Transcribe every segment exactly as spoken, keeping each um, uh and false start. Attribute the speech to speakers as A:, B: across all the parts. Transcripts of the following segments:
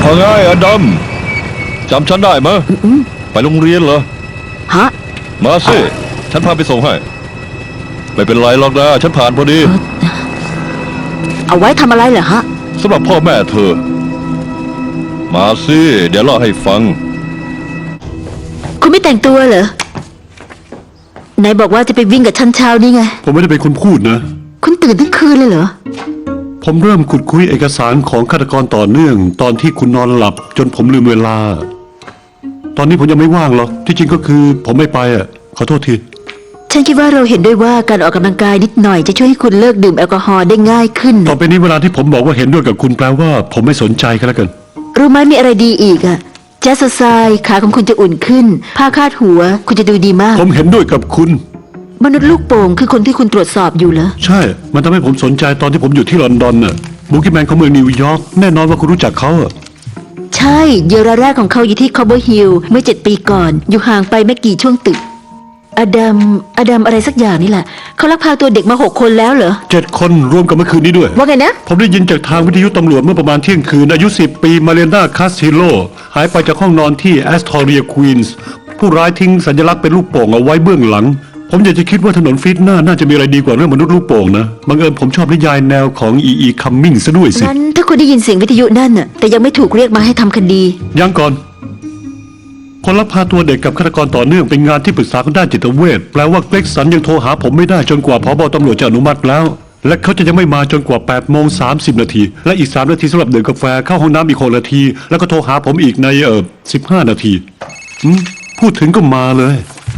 A: ว่าไงอดัมจำฉันได้ไหมไปโรงเรียนเหรอ
B: ฮะ
A: มาสิฉันพาไปส่งให้ไม่เป็นไรหรอกนะฉันผ่านพอดี
B: เอาไว้ทำอะไรเหรอฮะ
A: สำหรับพ่อแม่เธอมาสิเดี๋ยวเล่าให้ฟัง
B: คุณไม่แต่งตัวเหรอไหนบอกว่าจะไปวิ่งกับฉันเช้านี่ไง
C: ผมไม่ได้เป็นคนพูดนะ
B: คุณตื่นทั้งคืนเลยเหรอ
C: ผมเริ่มขุดคุยเอกสารของฆาตกรต่อเนื่องตอนที่คุณนอนหลับจนผมลืมเวลาตอนนี้ผมยังไม่ว่างหรอกที่จริงก็คือผมไม่ไปอ่ะขอโทษที
B: ฉันคิดว่าเราเห็นด้วยว่าการออกกำลังกายนิดหน่อยจะช่วยให้คุณเลิกดื่มแอลกอฮอล์ได้ง่ายขึ้น
C: ต่อไปนี้เวลาที่ผมบอกว่าเห็นด้วยกับคุณแปลว่าผมไม่สนใจกันแล้วกัน
B: รู้ไหมมีอะไรดีอีกอ่ะแจ๊สไซขาของคุณจะอุ่นขึ้นผ้าคาดหัวคุณจะดูดีมาก
C: ผมเห็นด้วยกับคุณ
B: มนุษย์ลูกโป่งคือคนที่คุณตรวจสอบอยู่เหรอ
C: ใช่มันทำให้ผมสนใจตอนที่ผมอยู่ที่ลอนดอนน่ะบุกี้แมนของเมืองนิวยอร์กแน่นอนว่าคุณรู้จักเขาอ่ะ
B: ใช่เหยื่อรายแรกของเขาอยู่ที่คอเบอร์ฮิลเมื่อเจ็ดปีก่อนอยู่ห่างไปไม่กี่ช่วงตึกอดัมอดัมอะไรสักอย่างนี่แหละเขาลักพาตัวเด็กมาหกคนแล้วเหรอ
C: เจ็ดคนรวมกับเมื่อคืนนี้ด้วย
B: ว่าไงนะ
C: ผมได้ยินจากทางวิทยุตำรวจเมื่อประมาณเที่ยงคืนอายุสิบปีมาเลนาคาสติโลหายไปจากห้องนอนที่แอสทอเรียควีนส์ผู้ร้ายทิ้งสัญลักษณ์เป็นลูกโป่งเอาไว้เบื้องหลังผมอยากจะคิดว่าถนนฟิตหน้าน่าจะมีอะไรดีกว่าเรื่องมนุษย์ลูกโป่งนะบังเอิญผมชอบนิยายแนวของอีอีคัมมิงซะด้วยสิ
B: งั้นถ้าคุณได้ยินเสียงวิทยุนั่นน่ะแต่ยังไม่ถูกเรียกมาให้ทำคดี
C: ยังก่อนคนลักพาตัวเด็กกับฆาตกรต่อเนื่องเป็นงานที่ปรึกษาด้านจิตเวชแปลว่าเกร็กสันยังโทรหาผมไม่ได้จนกว่าผบ.ตำรวจจะอนุมัติแล้วและเขาจะยังไม่มาจนกว่าแปดโมงสามสิบนาทีและอีกสามนาทีสำหรับดื่มกาแฟเข้าห้องน้ำอีกหกนาทีแล้วก็โทรหาผมอีกในเออสิบห้านาทีพูดถึงก็มาเลย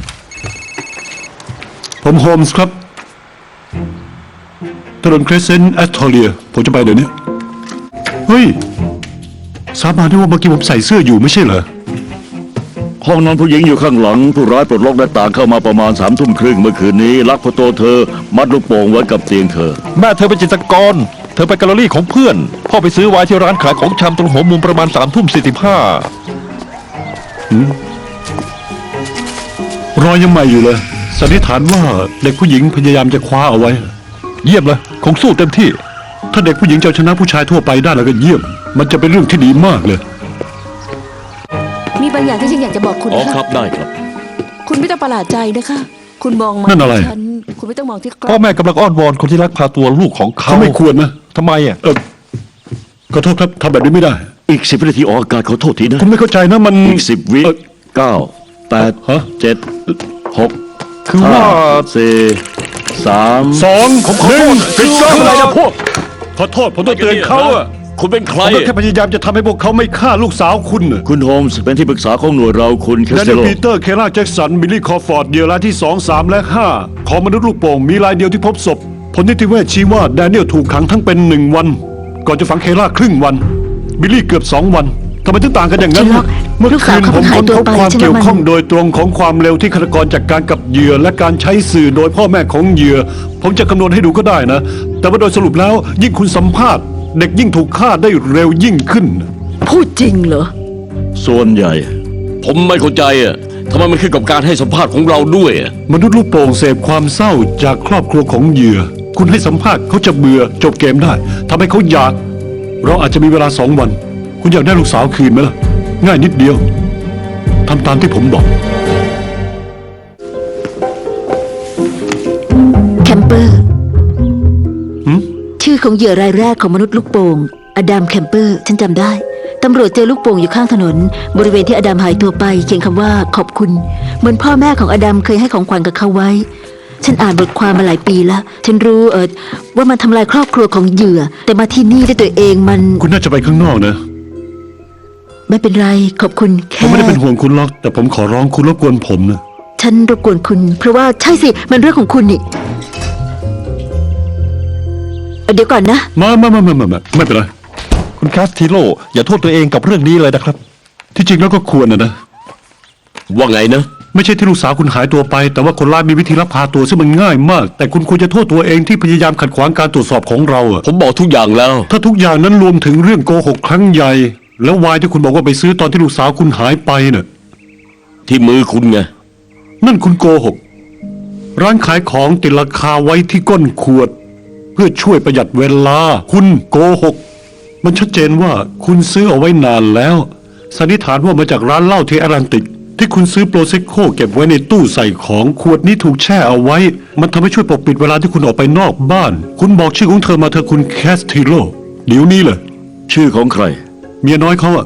C: ผมโฮมส์ครับถนนเครสเซนต์แอสทอเรียผมจะไปเดี๋ยวนี้เฮ้ยสาบานได้ว่าเมื่อกี้ผมใส่เสื้ออยู่ไม่ใช่เหรอ
D: ห้องนอนผู้หญิงอยู่ข้างหลังผู้ร้ายปลดล็อกหน้าต่างเข้ามาประมาณสามทุ่มครึ่งเมื่อคืนนี้ลักพาตัวเธอมัดลูกโป่งไว้กับเตียงเธอ
A: แม่เธอเป็นจิตรกรเธอไปแกลเลอรี่ของเพื่อนพ่อไปซื้อไวน์ที่ร้านขายของชำตรงหัวมุมประมาณสามทุ่มสี่สิบห้
C: ารอยยังใหม่อยู่เลยสันนิษฐานว่าเด็กผู้หญิงพยายามจะคว้าเอาไว้
A: เยี่ยมเลยคงสู้เต็มที่
C: ถ้าเด็กผู้หญิงจะชนะผู้ชายทั่วไปได้แล้วก็เยี่ยมมันจะเป็นเรื่องที่ดีมากเลย
E: มีบางอย่างที่ฉันอยากจะบอกคุณ
D: อ๋อครับได้ครับ
E: คุณไม่ต้องประหลาดใจนะคะคุณมองมา
C: นั่นอะไร
E: ฉันคุณไม่ต้องมองที่
A: พ่อแม่กำลังอ้อนวอนคนที่ลักพาตัวลูกของเขา
C: เขาไม่ควรนะ
A: ทำไมอ่ะ
C: เออขอโทษครับทำแบบนี้ไม่ได้
D: อีกสิบวินาทีออกอากาศขอโทษทีนะ
C: คุณไม่เข้าใจนะมัน
D: อีกสิบวิเก้าแปดเจ็ดหก
A: คือว่า
D: สี่สาม
C: สอง
A: ผมขอโทษ
C: ฟิกเกอร์
A: อะไรนะพวก
C: ขอโทษผมต้องเตือนเขาอะ
D: คุณเป็นใคร
C: ผมแค่พยายามจะทำให้พวกเขาไม่ฆ่าลูกสาวคุณ
D: คุณโฮมส์เป็นที่ปรึกษาของหน่วยเราคุณแคสเซโล
C: ปีเตอร์เคล่าแจ็คสันบิลลี่คอฟอร์ดเหยื่อรายที่สองสามและห้าของมนุษย์ลูกโป่งมีรายเดียวที่พบศพผลนิติเวชชี้ว่าแดเนียลถูกขังทั้งเป็นหนึ่งวันก่อนจะฝังเคล่าครึ่งวันบิลลี่เกือบสองวันทำไมถึงต่างกันอย่างนั้นเมื่อคืนผมค้นพบความเกี่ยวข้องโดยตรงของความเร็วที่ฆาตกรจัดการกับเหยื่อและการใช้สื่อโดยพ่อแม่ของเหยื่อผมจะคำนวณให้ดูก็ได้นะแต่ว่าโดยสรุปแล้วยิ่งคุณสัมภาษณ์เด็กยิ่งถูกฆ่าได้เร็วยิ่งขึ้น
B: พูดจริงเหรอ
D: ส่วนใหญ่ผมไม่เข้าใจอ่ะทำไมมันขึ้นกับการให้สัมภาษณ์ของเราด้วย
C: มนุษย์ลูกโป่งเสพความเศร้าจากครอบครัวของเหยื่อคุณให้สัมภาษณ์เขาจะเบื่อจบเกมได้ทำให้เขาอยากเราอาจจะมีเวลาสองวันคุณอยากได้ลูกสาวคืนไหมล่ะง่ายนิดเดียวทำตามที่ผมบอก
B: แคมเปอร์ชื่อของเหยื่อรายแรกของมนุษย์ลูกโป่งอดัมแคมเปอร์ฉันจำได้ตำรวจเจอลูกโป่งอยู่ข้างถนนบริเวณที่อดัมหายตัวไปเขียนคำว่าขอบคุณเหมือนพ่อแม่ของอดัมเคยให้ของขวัญกับเขาไว้ฉันอ่านบทความมาหลายปีแล้วฉันรู้เออว่ามันทำลายครอบครัวของเหยื่อแต่มาที่นี่ด้วยตัวเองมัน
C: คุณน่าจะไปข้างนอกนะ
B: ไม่เป็นไรขอบคุณแค่
C: ผมไม่ได้เป็นห่วงคุณหรอกแต่ผมขอร้องคุณรบกวนผมนะ
B: ฉันรบกวนคุณเพราะว่าใช่สิมันเรื่องของคุณนี่เดี๋ยวก่อนนะ
C: มามามามามาไม่เป็นไร
A: คุณคาสติโลอย่าโทษตัวเองกับเรื่องนี้เลยนะครับ
C: ที่จริงแล้วก็ควรนะนะ
D: ว่าไงนะ
C: ไม่ใช่ที่ลูกสาวคุณหายตัวไปแต่ว่าคนร้ายมีวิธีลักพาตัวซึ่งมันง่ายมากแต่คุณควรจะโทษตัวเองที่พยายามขัดขวางการตรวจสอบของเราอะ
D: ผมบอกทุกอย่างแล้ว
C: ถ้าทุกอย่างนั้นรวมถึงเรื่องโกหกครั้งใหญ่แล้ววายที่คุณบอกว่าไปซื้อตอนที่ลูกสาวคุณหายไปน่ะ
D: ที่มือคุณไง
C: นั่นคุณโกหกร้านขายของติดราคาไว้ที่ก้นขวดเพื่อช่วยประหยัดเวลาคุณโกหกมันชัดเจนว่าคุณซื้อเอาไว้นานแล้วสันนิษฐานว่ามาจากร้านเหล้าที่แอตแลนติก ที่คุณซื้อโปรเซโคเก็บไว้ในตู้ใส่ของขวดนี้ถูกแช่เอาไว้ มันทำให้ช่วยปกปิดเวลาที่คุณออกไปนอกบ้าน คุณบอกชื่อของเธอมาเธอะคุณแคสติโลเดี๋ยวนี้เลย
D: ชื่อของใคร
C: เมียน้อยเขาอะ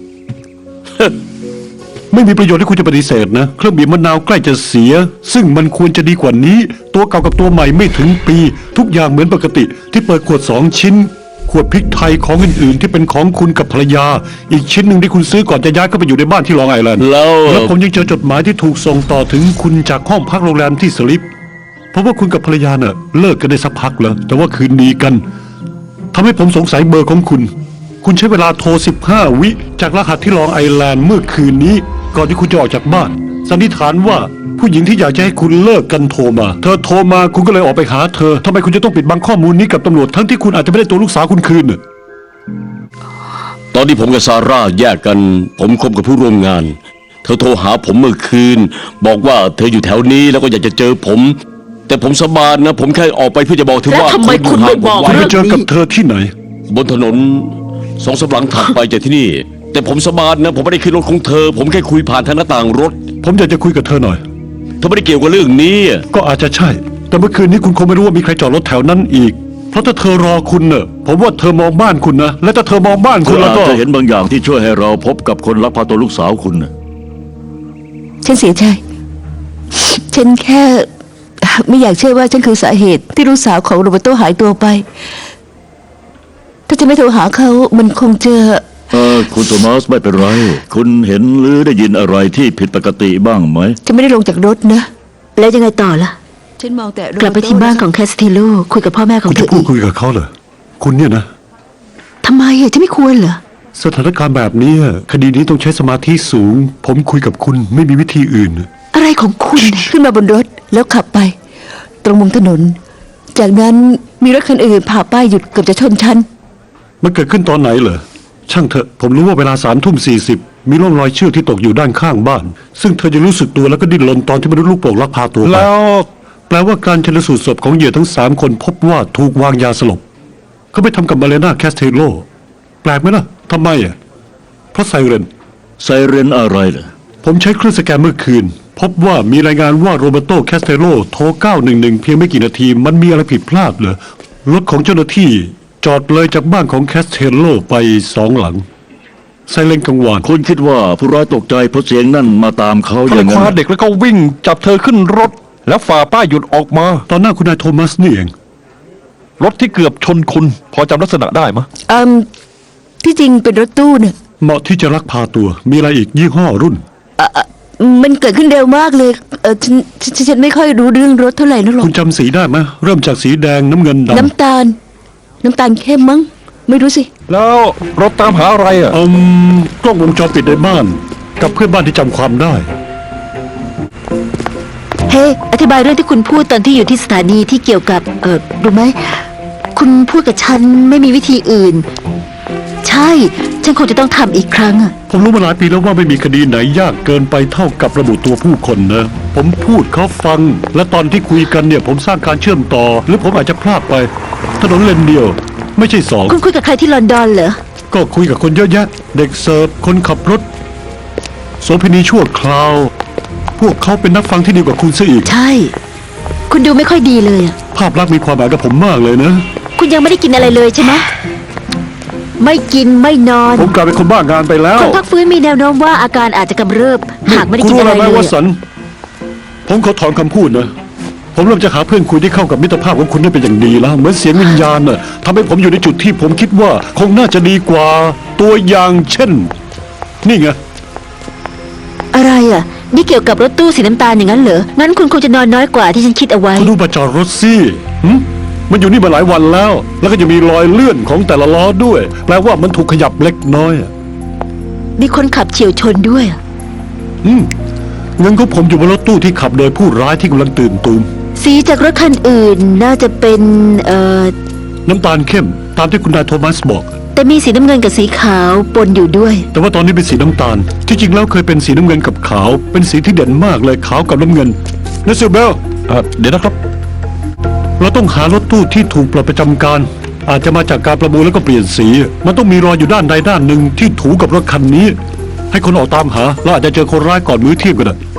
C: ไม่มีประโยชน์ที่คุณจะปฏิเสธนะเครื่องบีบมะนาวใกล้จะเสีย ซึ่งมันควรจะดีกว่านี้ ตัวเก่ากับตัวใหม่ไม่ถึงปี ทุกอย่างเหมือนปกติ ที่เปิดขวดสองชิ้น ขวดพริกไทยของอื่นๆ ที่เป็นของคุณกับภรรยา อีกชิ้นหนึ่งที่คุณซื้อก่อนจะย้ายเข้าไปอยู่ในบ้านที่ลองไอแลนด์
D: แล้ว
C: แล้วผมยังเจอจดหมายที่ถูกส่งต่อถึงคุณจากห้องพักโรงแรมที่สลิปเพราะว่าคุณกับภรรยาเน่ะเลิกกันได้สักพักแล้วแต่ว่าคืนดีกันทำให้ผมสงสัยเบอร์ของคุณ คุณใช้เวลาโทร สิบห้า วิจากรหัสที่ลองไอแลนด์เมื่อคืนนี้ ก่อนที่คุณจะออกจากบ้าน สันนิษฐานว่าผู้หญิงที่อยากจะให้คุณเลิกกันโทรมา เธอโทรมาคุณก็เลยออกไปหาเธอทำไมคุณจะต้องปิดบังข้อมูลนี้กับตำรวจทั้งที่คุณอาจจะไม่ได้ตัวลูกสาวคุณคืนน่ะ
F: ตอนที่ผมกับซาร่าแยกกัน ผมคบกับผู้ร่วมงาน เธอโทรหาผมเมื่อคืน บอกว่าเธออยู่แถวนี้แล้วก็อยากจะเจอผม แต่ผมสบานนะ ผมแค่ออกไปเพื่อจะบอกเธอว่า
B: แล้วทำไมคุณไม่บอก
F: ผม
C: คุณ
F: ไว้
C: ไปเจอกับเธอที่ไหน
F: บนถนนสองสามหลังถัดไปจากที่นี่ แต่ผมสบานนะ ผมไม่ได้ขึ้นรถของเธอ ผมแค่คุยผ่านทางหน้าต่างรถ
C: ผมอยากจะคุยกับเธอหน่อย
F: เธอไม่ได้เกี่ยวกับเรื่องนี้
C: ก็อาจจะใช่ แต่เมื่อคืนนี้คุณคงไม่รู้ว่ามีใครจอดรถแถวนั้นอีก เพราะถ้าเธอรอคุณเน่ะผมว่าเธอมองบ้านคุณนะ และถ้าเธอมองบ้าน
D: คุ
C: คุณ ณแล้ว
D: อาจ
C: ก็
D: จะเห็นบางอย่างที่ช่วยให้เราพบกับคนลักพาตัวลูกสาวคุณน่ะ
E: ฉันเสียใจ ฉันแค่ ไม่อยากเชื่อว่าฉันคือสาเหตุที่ลูกสาวของโรเบร์โตหายตัวไป ถ้าจะไม่โทรหาเขามันคงจะ
D: เออคุณโทมัสไม่เป็นไร คุณเห็นหรือได้ยินอะไรที่ผิดปกติบ้างไหม
E: จะไม่ได้ลงจากรถนะ
B: แล้วยังไงต่อล่ะ
E: ฉันมองแต่โร
B: กลับไปที่บ้านของแคสติโลคุยกับพ่อแม่ของ
C: คุณ
B: เธ
C: จะ
B: อ
C: พู
B: อี
C: ด
B: ก
C: คุยกับเขาเหรอคุณเนี่ยนะ
B: ทำไมอ่ะจะไม่ควรเหรอ
C: สถานการณ์แบบนี้คดีนี้ต้องใช้สมาธิสูง ผมคุยกับคุณไม่มีวิธีอื่น
B: อะไรของคุณเนี่ย
E: ขึ้นมาบนรถแล้วขับไป ตรงมุมถนน จากนั้นมีรถคันอื่นผ่าป้ายหยุดเกือบจะชนฉัน
C: มันเกิดขึ้นตอนไหนเหรอช่างเถอะผมรู้ว่าเวลาสามทุ่มสี่สิบมีร่องรอยเชือกที่ตกอยู่ด้านข้างบ้าน ซึ่งเธอจะรู้สึกตัวแล้วก็ดิ้นรนตอนที่มนุษย์ลูกโป่งลักพาตัวไป
A: แล้ว
C: แปลว่าการชันสูตรศพของเหยื่อทั้งสามคนพบว่าถูกวางยาสลบเขาไปทำกับมาเลนาแคสเทโลแปลกไหมล่ะทำไมอ่ะเพราะไซเรน
D: ไซเรนอะไรเหรอ
C: ผมใช้เครื่องสแกนเมื่อคืน พบว่ามีรายงานว่าโรเบโตแคสเทโลโทรเก้าหนึ่งหนึ่งเพียงไม่กี่นาทีมันมีอะไรผิดพลาดเหรอรถของเจ้าหน้าที่จอดเลยจากบ้านของแคสเทโลไปสองหลังไซเรนกังวาน
D: คุณคิดว่าผู้ร้ายตกใจเพราะเสียงนั่นมาตามเขา
A: เขา
D: อ
A: เล
D: ย่าย ง
A: ค
D: นั้น
A: ว้าเด็กแล้วก็วิ่งจับเธอขึ้นรถ แล้วฝ่าป้ายหยุดออกมา
C: ตอนหน้าคุณนายโทมัสนี่เอง
A: รถที่เกือบชนคุณ พอจำลักษณะได้มะ
E: อืม ที่จริงเป็นรถตู้เนี่ย
C: เหมาะที่จะลักพาตัวมีอะไรอีกยี่ห้อรุ่น
E: อ่ะอ่ะมันเกิดขึ้นเร็วมากเลย เออฉันฉันฉันไม่ค่อยรู้เรื่องรถเท่าไหร่นักหรอก
C: คุณจำสีได้ไหมเริ่มจากสีแดงน้ำเงินดำ
E: น้ำตาล น้ำตาลเข้มมั้ง ไม่รู้สิ
A: แล้วรถตามหาอะไรอ่ะ
C: อืมกล้องวงจรปิดในบ้าน กับเพื่อนบ้านที่จำความได้
B: เฮ้อธิบายเรื่องที่คุณพูดตอนที่อยู่ที่สถานีที่เกี่ยวกับ เออรู้ไหม คุณพูดกับฉันไม่มีวิธีอื่น ใช่ ฉันคงจะต้องทำอีกครั้งอะ
C: ผมรู้มาหลายปีแล้วว่าไม่มีคดีไหนยากเกินไปเท่ากับระบุตัวผู้คนนะ ผมพูดเขาฟัง และตอนที่คุยกันเนี่ย ผมสร้างการเชื่อมต่อ หรือผมอาจจะพลาดไป ถนนเลนเดียว ไม่ใช่สอง
B: คุณคุยกับใครที่ลอนดอนเหรอ
C: ก็คุยกับคนเยอะแยะ เด็กเสิร์ฟคนขับรถโสเภณีชั่วคราว พวกเขาเป็นนักฟังที่ดีกว่าคุณซะอีก
B: ใช่ คุณดูไม่ค่อยดีเลยอะ
C: ภาพลักษณ์มีความหมายกับผมมากเลยนะ
B: คุณยังไม่ได้กินอะไรเลยใช่ไหมไม่กินไม่นอน
C: ผมกลายเป็นคนบ้างานไปแล้ว
B: คนพักฟื้นมีแนวโน้มว่าอาการอาจจะกำเริบ หากไม่ได้กินอะไร
C: คุณรู้
B: เล
C: ไหม
B: ย
C: ว่าสั
B: อะ
C: น ผมขอถอนคำพูดนะ ผมเริ่มจะหาเพื่อนคุยที่เข้ากับมิตรภาพของคุณได้เป็นอย่างดีแล้ว เหมือนเสียงวิญญาณน่ะทำให้ผมอยู่ในจุดที่ผมคิดว่าคงน่าจะดีกว่า ตัวอย่างเช่น นี่ไง
B: อะไรอ่ะ นี่เกี่ยวกับรถตู้สีน้ำตาลอย่างนั้นเหรอ งั้นคุณคงจะนอนน้อยกว่าที่ฉันคิดเอาไว้
C: คุณดูมาจอดรถสิหึมันอยู่นี่มาหลายวันแล้ว แล้วก็จะมีรอยเลื่อนของแต่ละล้อด้วย แปลว่ามันถูกขยับเล็กน้อยอะ
B: มีคนขับเฉียวชนด้วยอะ
C: อืมเงินของผมอยู่บนรถตู้ที่ขับโดยผู้ร้ายที่กำลังตื่นตูม
B: สีจากรถคันอื่นน่าจะเป็น เอ่อ
C: น้ำตาลเข้ม ตามที่คุณนายโทมัสบอก
B: แต่มีสีน้ำเงินกับสีขาวปนอยู่ด้วย
C: แต่ว่าตอนนี้เป็นสีน้ำตาล ที่จริงแล้วเคยเป็นสีน้ำเงินกับขาว เป็นสีที่เด่นมากเลยขาวกับน้ำเงินนะซิลเบล
A: เอ่อเดี๋ยวนะครับ
C: เราต้องหารถตู้ที่ถูกปลดประจำการอาจจะมาจากการประมูลแล้วก็เปลี่ยนสี มันต้องมีรอยอยู่ด้านใดด้านหนึ่งที่ถูกับรถคันนี้ ให้คนออกตามหาแล้วอาจจะเจอคนร้ายก่อนมื้อเที่ยงก็ได้